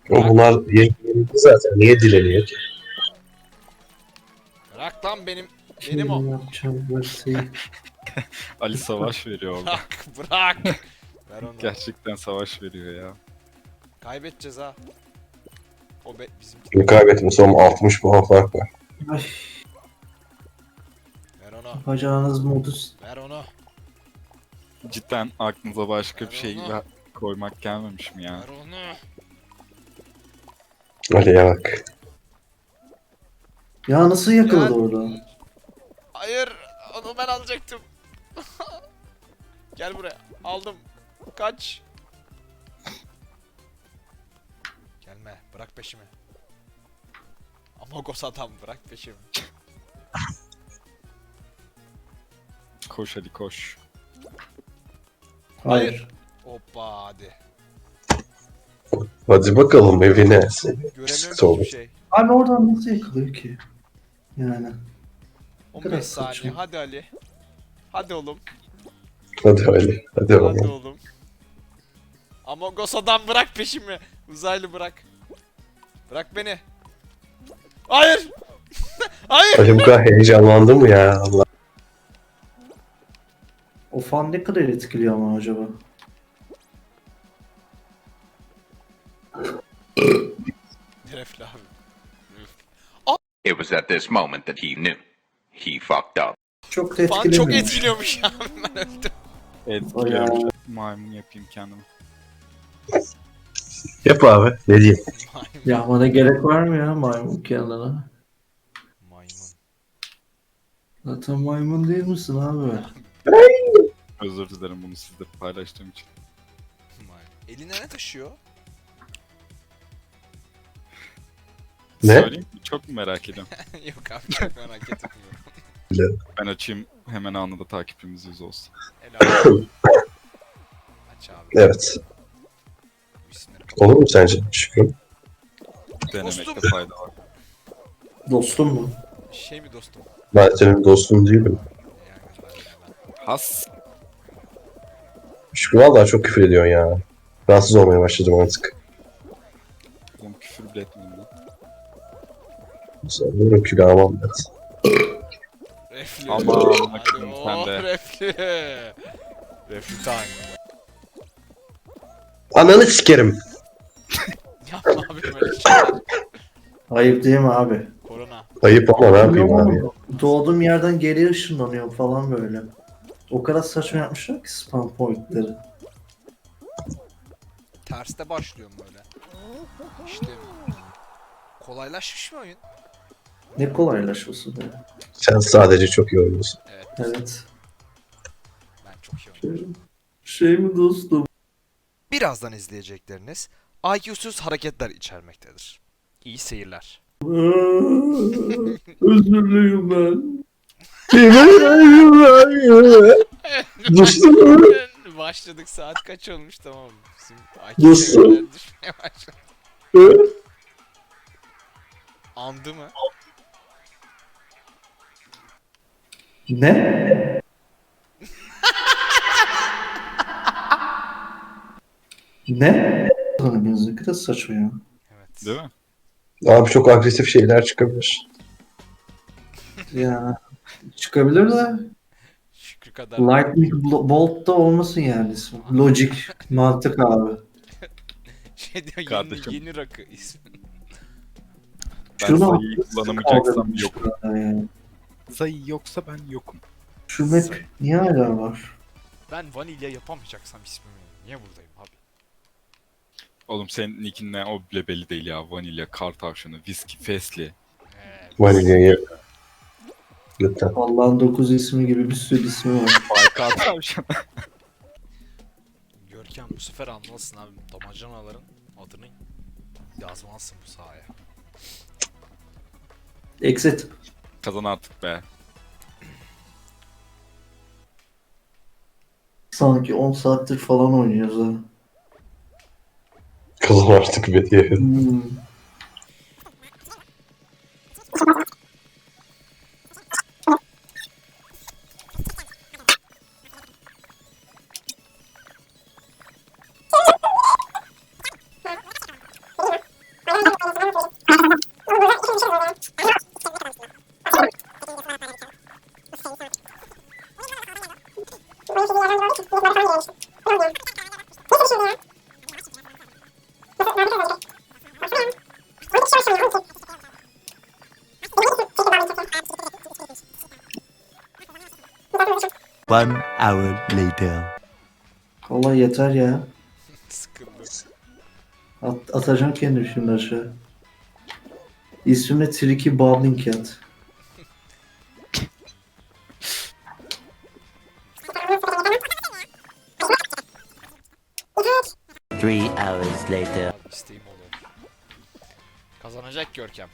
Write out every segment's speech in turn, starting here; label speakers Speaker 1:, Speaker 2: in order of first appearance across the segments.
Speaker 1: Bırak.
Speaker 2: Bunlar yenildi zaten. Niye dileniyor ki?
Speaker 1: Bırak lan benim o.
Speaker 3: Şimdi yapacağım verseyi.
Speaker 4: Ali savaş veriyor orada.
Speaker 1: Bırak bırak. Ver onu.
Speaker 4: Gerçekten savaş veriyor ya.
Speaker 1: Kaybedeceğiz ha. O bizim.
Speaker 2: Şimdi kaybetmiş ama 60 puan fark var.
Speaker 3: Ay,
Speaker 1: Ver onu.
Speaker 3: yapacağınız modus.
Speaker 1: Ver onu.
Speaker 4: Cidden aklınıza başka bir şey
Speaker 1: Ver onu.
Speaker 4: koymak gelmemiş mi ya?
Speaker 1: Ver onu.
Speaker 2: Ali'ye bak.
Speaker 3: Ya nasıl yakaladı
Speaker 1: Ya-
Speaker 3: orada?
Speaker 1: Hayır. Onu ben alacaktım. Gel buraya. Aldım. Kaç. Gelme. Bırak peşimi. Amogos adam bırak peşimi.
Speaker 4: Koş Ali koş.
Speaker 3: Hayır.
Speaker 1: Hoppa hadi.
Speaker 2: Hadi bakalım evine.
Speaker 1: Göremiyorum
Speaker 2: Sıkıntı
Speaker 1: ki
Speaker 2: olur.
Speaker 1: hiçbir şey.
Speaker 3: Abi oradan nasıl yakalıyor ki? Yani.
Speaker 1: 15
Speaker 3: Biraz
Speaker 1: saniye.
Speaker 3: saçma.
Speaker 1: Hadi Ali. Hadi oğlum.
Speaker 2: Hadi Ali. Hadi
Speaker 1: Hadi
Speaker 2: oğlum.
Speaker 1: oğlum. Amogos adam bırak peşimi. Uzaylı bırak. Bırak beni. Hayır. Hayır.
Speaker 2: Ali bu kadar heyecanlandı mı ya? Allah.
Speaker 3: O fan ne kadar etkiliyor ama acaba?
Speaker 1: Refli abi.
Speaker 5: It was at this moment that he knew. He fucked up.
Speaker 3: Çok da
Speaker 1: Fan
Speaker 3: etkilemiyor.
Speaker 1: çok etkiliyormuş ya. Ben öldüm.
Speaker 4: Etkiliyorum. Maymun yapayım kendime.
Speaker 2: Yap abi. Ne diyeyim?
Speaker 3: Ya bana gerek var mı ya maymun kendine?
Speaker 1: Maymun.
Speaker 3: Zaten maymun değil misin abi?
Speaker 4: Özür dilerim bunu sizle paylaştığım için.
Speaker 1: Maymun. Eline ne taşıyor?
Speaker 2: Ne?
Speaker 4: Söyleyeyim mi? Çok mu merak ediyorum?
Speaker 1: Yok abi çok merak etmiyorum.
Speaker 4: Ben açayım hemen anında takipçimiz 100 olsun.
Speaker 1: Helal. Aç abi.
Speaker 2: Evet.
Speaker 1: Bu isimleri kapat.
Speaker 2: Olur mu sence? Şükrü.
Speaker 4: Denemekte
Speaker 1: Dostum.
Speaker 4: fayda var.
Speaker 3: Dostum mu?
Speaker 1: Şey mi dostum?
Speaker 2: Ben senin dostun değilim.
Speaker 1: Yani ben.
Speaker 4: Has.
Speaker 2: Şükrü vallahi çok küfür ediyorsun ya. Rahatsız olmaya başladım artık.
Speaker 4: Oğlum küfür bile etmeyeyim lan.
Speaker 2: Sanırım ki almam ben.
Speaker 1: Refli.
Speaker 4: Aman,
Speaker 1: Hadi,
Speaker 4: bakalım sen
Speaker 1: oh,
Speaker 4: de.
Speaker 1: refli. Refli time.
Speaker 2: Ananı sikerim.
Speaker 1: Yapma abi böyle şeyler.
Speaker 3: Ayıp değil mi abi?
Speaker 1: Korona.
Speaker 2: Ayıp ama ne yapayım abi ya.
Speaker 3: Doğduğum yerden geriye ışınlanıyorum falan böyle. O kadar saçma yapmışlar ki spam pointleri.
Speaker 1: Terste başlıyorum böyle. İşte kolaylaşmış mı oyun?
Speaker 3: Ne kolaylaşması be.
Speaker 2: Sen sadece çok iyi oynuyorsun.
Speaker 1: Evet.
Speaker 3: Evet.
Speaker 1: Ben çok iyi oynuyorum.
Speaker 3: Şey mi dostum?
Speaker 1: Birazdan izleyecekleriniz IQ'suz hareketler içermektedir. İyi seyirler.
Speaker 3: Özürlüyüm ben.
Speaker 2: Dostum.
Speaker 1: Başladık saat kaç olmuş tamam. Bizim
Speaker 2: Nasıl?
Speaker 1: IQ seviyeler düşmeye başladı. Andı mı?
Speaker 3: Ne? Ne? Tanımıyoruz ne kadar saçma ya.
Speaker 1: Evet.
Speaker 4: Değil mi?
Speaker 2: Abi çok agresif şeyler çıkabilir.
Speaker 3: Ya çıkabilir de
Speaker 1: Şükrü kadar.
Speaker 3: Lightning Bolt da olmasın yani ismi. Logic, mantık abi.
Speaker 1: Şey diyor yeni,
Speaker 4: Kardeşim.
Speaker 1: yeni rakı ismi.
Speaker 4: Ben
Speaker 3: Şunu
Speaker 4: sayıyı kullanamayacaksam yok.
Speaker 3: Yani.
Speaker 4: Sayı yoksa ben yokum.
Speaker 3: Şu map niye hala var?
Speaker 1: Ben vanilya yapamayacaksam ismimi niye buradayım abi?
Speaker 4: Oğlum senin nickin ne o bile belli değil ya. Vanilya, kar tavşanı, viski, fesli.
Speaker 2: Vanilyayı. Lütfen.
Speaker 3: Allah'ın 9 ismi gibi bir sürü ismi var.
Speaker 4: Ay kar tavşanı.
Speaker 1: Görkem bu sefer anlasın abi damacanaların adını yazmalısın bu sahaya.
Speaker 3: Exit.
Speaker 4: Kazan artık be.
Speaker 3: Sanki 10 saattir falan oynuyoruz ha.
Speaker 2: Kızım artık be diye.
Speaker 3: Hmm.
Speaker 6: 1 hour later.
Speaker 3: Vallahi yeter ya.
Speaker 1: Sıkıldım.
Speaker 3: Atacağım kendimi şimdi aşağı. İsmime Tricky Bubbling Cat.
Speaker 6: Three hours later.
Speaker 1: Abi isteğim oldu. Kazanacak Görkem.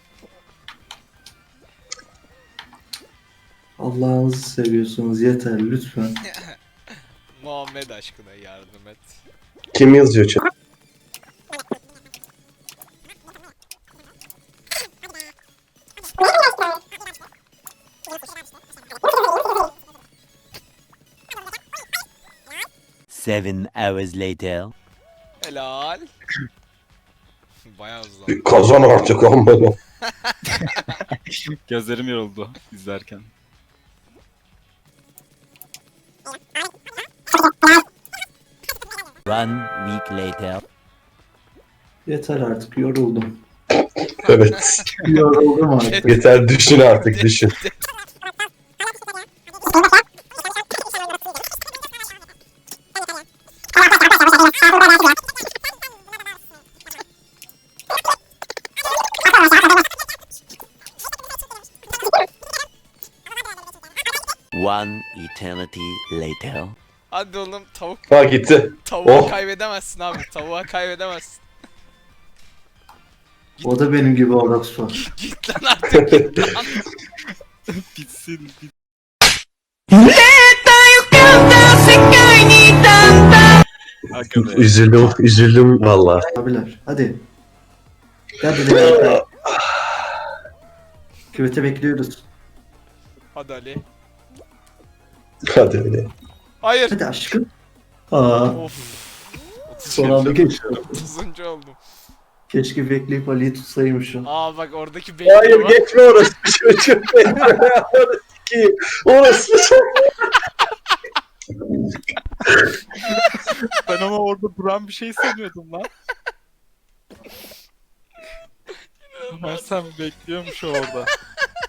Speaker 3: Allah'ınızı seviyorsunuz yeter lütfen.
Speaker 1: Muhammed aşkına yardım et.
Speaker 2: Kim yazıyor chat?
Speaker 6: Seven hours later.
Speaker 1: Helal. Bayağı hızlı.
Speaker 2: Kazan artık olmadı.
Speaker 4: Gözlerim yoruldu izlerken.
Speaker 6: One week later.
Speaker 3: Yeter artık yoruldum.
Speaker 2: Evet.
Speaker 3: Yoruldum artık.
Speaker 2: Yeter düşün artık düşün.
Speaker 6: One eternity later.
Speaker 1: Hadi oğlum tavuk.
Speaker 2: Ha gitti.
Speaker 1: Tavuğa
Speaker 2: Oh.
Speaker 1: kaybedemezsin abi. Tavuğa kaybedemezsin.
Speaker 3: O da benim gibi orospu.
Speaker 1: Git lan artık git lan.
Speaker 4: Bitsin. Hakikaten.
Speaker 2: Üzüldüm valla.
Speaker 3: Abiler hadi. Gel buraya. Küvete bekliyoruz.
Speaker 1: Hadi Ali.
Speaker 2: Hadi öyle.
Speaker 1: Hayır.
Speaker 3: Hadi aşkım. Aa,
Speaker 1: Of.
Speaker 3: son anda geçti.
Speaker 1: 30. oldum.
Speaker 3: Keşke bekleyip Ali'yi tutsaymışım.
Speaker 1: Aa bak oradaki bekliyor
Speaker 2: Hayır
Speaker 1: bak.
Speaker 2: geçme orası çocuğum. Orası ki. Orası
Speaker 4: Ben ama orada duran bir şey sanıyordum lan. Ben sen bekliyormuş orada.